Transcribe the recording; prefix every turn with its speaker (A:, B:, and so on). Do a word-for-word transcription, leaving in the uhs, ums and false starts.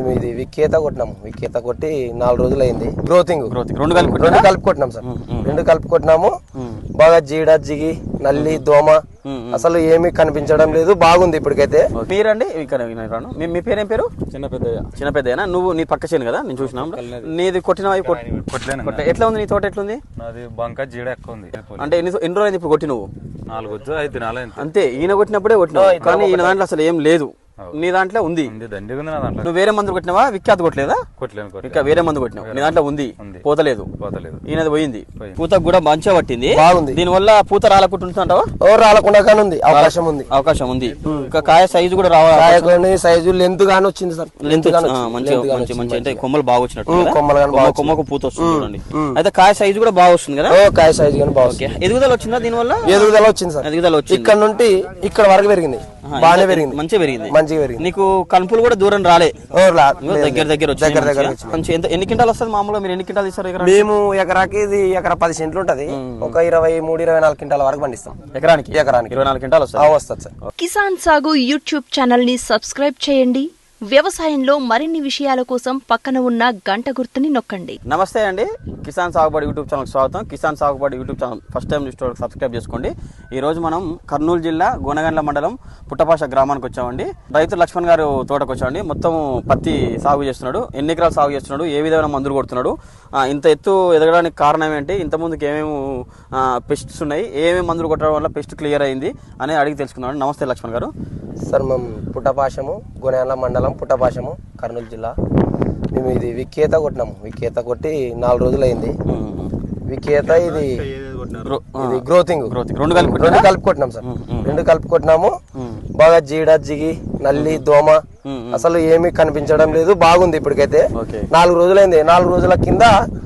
A: మేము ఇది విక్కేత కొట్టినాము. విక్కేత కొట్టి నాలుగు రోజులు అయింది. గ్రోతింగ్
B: గ్రోతింగ్ రెండు కలిపి
A: రెండు కలిపి కొట్టినాం సార్. రెండు కలిపి కొట్టినాము. బాగా జీడ జిగి నల్లి దోమ అసలు ఏమీ కనిపించడం లేదు. బాగుంది ఇప్పటికైతే.
B: మీరండి ఇక్కడ మీ పేరేం పేరు?
C: చిన్న పెద్దయ్య.
B: చిన్న పెద్దయ్యనా? నువ్వు నీ పక్క చేను కదా నేను చూసినా. నీది కొట్టిన ఎట్లా ఉంది? నీ తోట ఎట్లుంది?
C: నాది బంక జీడ ఎక్కువ ఉంది.
B: అంటే ఎన్ని ఎన్ని రోజులు ఇప్పుడు కొట్టి? నువ్వు
C: నాలుగు వచ్చు ఐదు దినాలు
B: అంతే. ఈయన కొట్టినప్పుడే కొట్టినావు, కానీ ఈయన దాంట్లో అసలు ఏం లేదు. నీ దాంట్లో ఉంది. నువ్వు వేరే మందు కొట్టినావా? విఖ్యాత కొట్టలేదా? ఇంకా వేరే మందు కొట్టినావు. నీ దాంట్లో ఉంది, పోతలేదు. ఈయనది పోయింది. పూత కూడా మంచిగా పట్టింది, బాగుంది. దీని వల్ల పూత రాలకుంటుంటావా?
A: ఓ రాలకుండా ఉంది, అవకాశం ఉంది.
B: అవకాశం ఉంది. ఇంకా కాయ సైజు కూడా రావాలి.
A: సైజు లెంత్ గానీ వచ్చింది సార్. లెంత్
B: మంచిగా మంచి అంటే కొమ్మలు బాగా వచ్చినట్టు, కొమ్మకు పూత వస్తుంది చూడండి. అయితే కాయ సైజు కూడా బాగా వస్తుంది కదా?
A: కాయ సైజు కానీ బాగా.
B: ఎదుగుదల వచ్చిందా దీని వల్ల?
A: ఎదుగుదల వచ్చింది సార్.
B: ఎదుగుదల వచ్చింది.
A: ఇక్కడ నుండి ఇక్కడ వరకు పెరిగింది, బాగానే పెరిగింది,
B: మంచిగా పెరిగింది. నీకు కలుపులు కూడా దూరం రాలే, దగ్గర దగ్గర
A: దగ్గర దగ్గర.
B: ఎన్ని క్వింటాలు వస్తుంది మామూలుగా? మీరు ఎన్ని క్వింటాలు ఇస్తారు?
A: మేము ఎకరాకి ఇది ఎకరా పది సెంట్లు ఉంటది, ఒక ఇరవై మూడు ఇరవై నాలుగు క్వింటాల వరకు పండిస్తాం.
B: ఎకరానికి
A: ఎకరానికి
B: ఇరవై నాలుగు క్వింటాలు వస్తుంది.
A: వస్తుంది సార్.
D: కిసాన్ సాగు యూట్యూబ్ ఛానల్ ని సబ్స్క్రైబ్ చేయండి. వ్యవసాయంలో మరిన్ని విషయాల కోసం పక్కన ఉన్న గంట గుర్తుని నొక్కండి.
B: నమస్తే అండి, కిసాన్ సాగుబడి యూట్యూబ్ ఛానల్ స్వాగతం. Kisan Sagubadi YouTube channel first time చూస్తే సబ్స్క్రైబ్ చేసుకోండి. ఈ రోజు మనం కర్నూలు జిల్లా గోనగండ్ల మండలం పుట్టపాష గ్రామానికి వచ్చామండి. రైతు లక్ష్మణ్ గారు తోటకు వచ్చామండి. మొత్తం పత్తి సాగు చేస్తున్నాడు. ఎన్ని ఎకరాలు సాగు చేస్తున్నాడు, ఏ విధమైన మందులు కొడుతున్నాడు, ఇంత ఎత్తు ఎదగడానికి కారణం ఏంటి, ఇంత ముందుకు ఏమేమి పెస్ట్స్ ఉన్నాయి, ఏమేమి మందులు కొట్టడం వల్ల పెస్ట్ క్లియర్ అయింది అని అడిగి తెలుసుకున్నాడు. నమస్తే లక్ష్మణ్ గారు.
A: సార్ మేము పుట్టపాషము గోనగండ్ల మండలం పుట్టపాషము కర్నూలు జిల్లా. మేము ఇది విక్కేత కొట్టినాము. విక్కేత కొట్టి నాలుగు రోజులు అయింది. విక్కేత ఇది ఇది గ్రోతింగ్
B: రెండు కలిపి
A: రెండు కలిపి కొట్టినాం సార్. రెండు కలిపి కొట్టినాము. బాగా జీడ జిగి నల్లి దోమ అసలు ఏమీ కనిపించడం లేదు. బాగుంది ఇప్పటికైతే. నాలుగు రోజులైంది. నాలుగు రోజుల కింద